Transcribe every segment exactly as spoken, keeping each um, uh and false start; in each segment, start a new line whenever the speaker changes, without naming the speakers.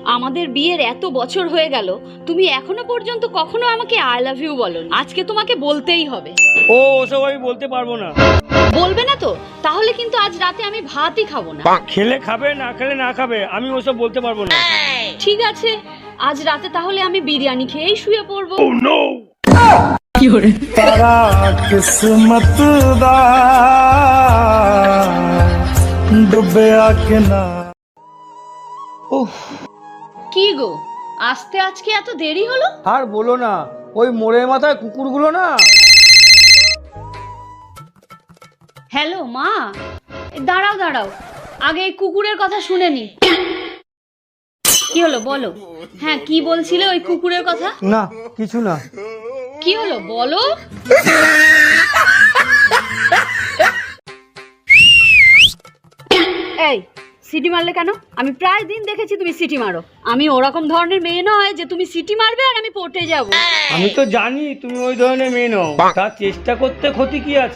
আমাদের বিয়ের এত বছর হয়ে গেল, তুমি এখনো পর্যন্ত কখনো আমাকে আই লাভ ইউ বলোনি। আজকে তোমাকে বলতেই হবে।
ও ওসব আমি বলতে পারবো না।
বলবে না তো? তাহলে কিন্তু আজ রাতে আমি ভাতই খাবো না।
খেলে খাবে, না খেলে না খাবে, আমি ওসব বলতে পারবো না।
ঠিক আছে, আজ রাতে তাহলে আমি বিরিয়ানি খেয়েই শুয়ে পড়বো।
Oh no!
কি হরে
তারা কিসমত দা ডুবে আকে না।
উফ,
কি গো, আসতে আজকে এত দেরি হলো?
আর বলো না, ওই মোড়ের মাথায় কুকুরগুলো না।
হ্যালো মা, দাঁড়াও দাঁড়াও, আগে এই কুকুরের কথা শুনে নি। কি হলো বলো? হ্যাঁ, কি বলছিলে ওই কুকুরের কথা?
না কিছু না।
কি হলো বলো? এই সিটি মারলে কেন? আমি প্রায় দিন দেখেছি তুমি সিটি মারো। আমি ওরকম ধরনের মেয়ে নয় যে তুমি সিটি মারবে আর আমি পড়তে যাব।
আমি তো জানি তুমি ওই ধরনের মেয়ে নও, তার চেষ্টা করতে ক্ষতি কি আছে?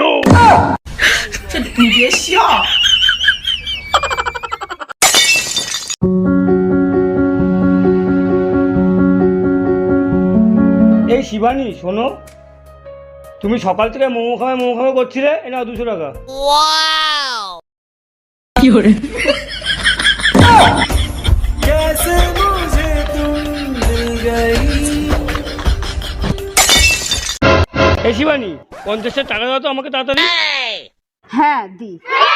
এই শিবানী শোনো, তুমি সকাল থেকে মোমো খাবে মোমো খাবে করছিলে, এ নাও দুশো টাকা।
কি হরে
कैसे मुझे तुम मिल गई।
এই শিবানী, পঞ্চাশটা টাকা দাও তো আমাকে তাড়াতাড়ি।
হ্যাঁ দি।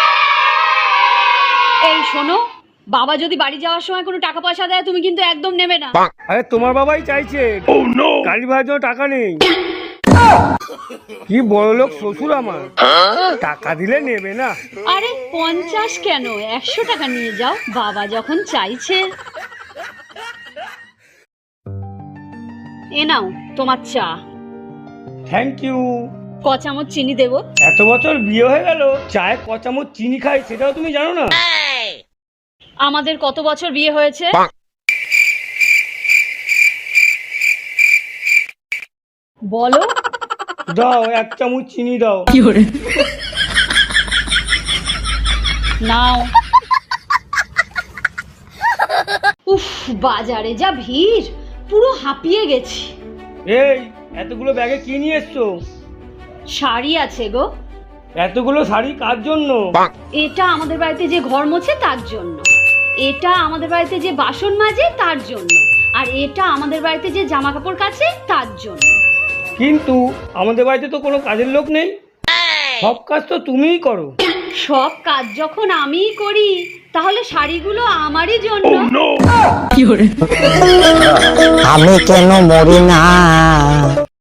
এই শোনো, বাবা যদি বাড়ি যাওয়ার সময় কোনো টাকা পয়সা দেয় তুমি কিন্তু একদম নেবে না।
আরে তোমার বাবাই চাইছে, গাড়ি ভাড়ার জন্য টাকা নেই। কি বড় লোক শ্বশুর আমার, টাকা দিলে নেবে না।
আরে পঞ্চাশ কেন, একশো টাকা নিয়ে যাও, বাবা যখন চাইছে। এ নাও তোমার চা।
Thank you.
ক চামচ চিনি দেবো?
এত বছর বিয়ে হয়ে গেল, চায়ে ক চামচ চিনি খাই সেটাও তুমি জানো না?
আমাদের কত বছর বিয়ে হয়েছে? বলো।
দাও এক চামচ চিনি দাও।
কি হরে নাও। উফ, বাজারে যা ভিড়, পুরো হাঁপিয়ে গেছি।
এই এতগুলো ব্যাগে কি নিয়ে এসছো?
শাড়ি আছে গো।
এতগুলো শাড়ি কার জন্য?
এটা আমাদের বাড়িতে যে ঘর মোছে তার জন্য, এটা আমাদের বাড়িতে যে বাসন মাজে তার জন্য, আর এটা আমাদের বাড়িতে যে জামা কাপড় কাচে তার জন্য।
কিন্তু আমাদের বাড়িতে তো কোনো কাজের লোক নেই, সব কাজ তো তুমিই করো।
সব কাজ যখন আমিই করি, তাহলে শাড়িগুলো আমারই জন্য। কি হরে
আমি কেন মরি না?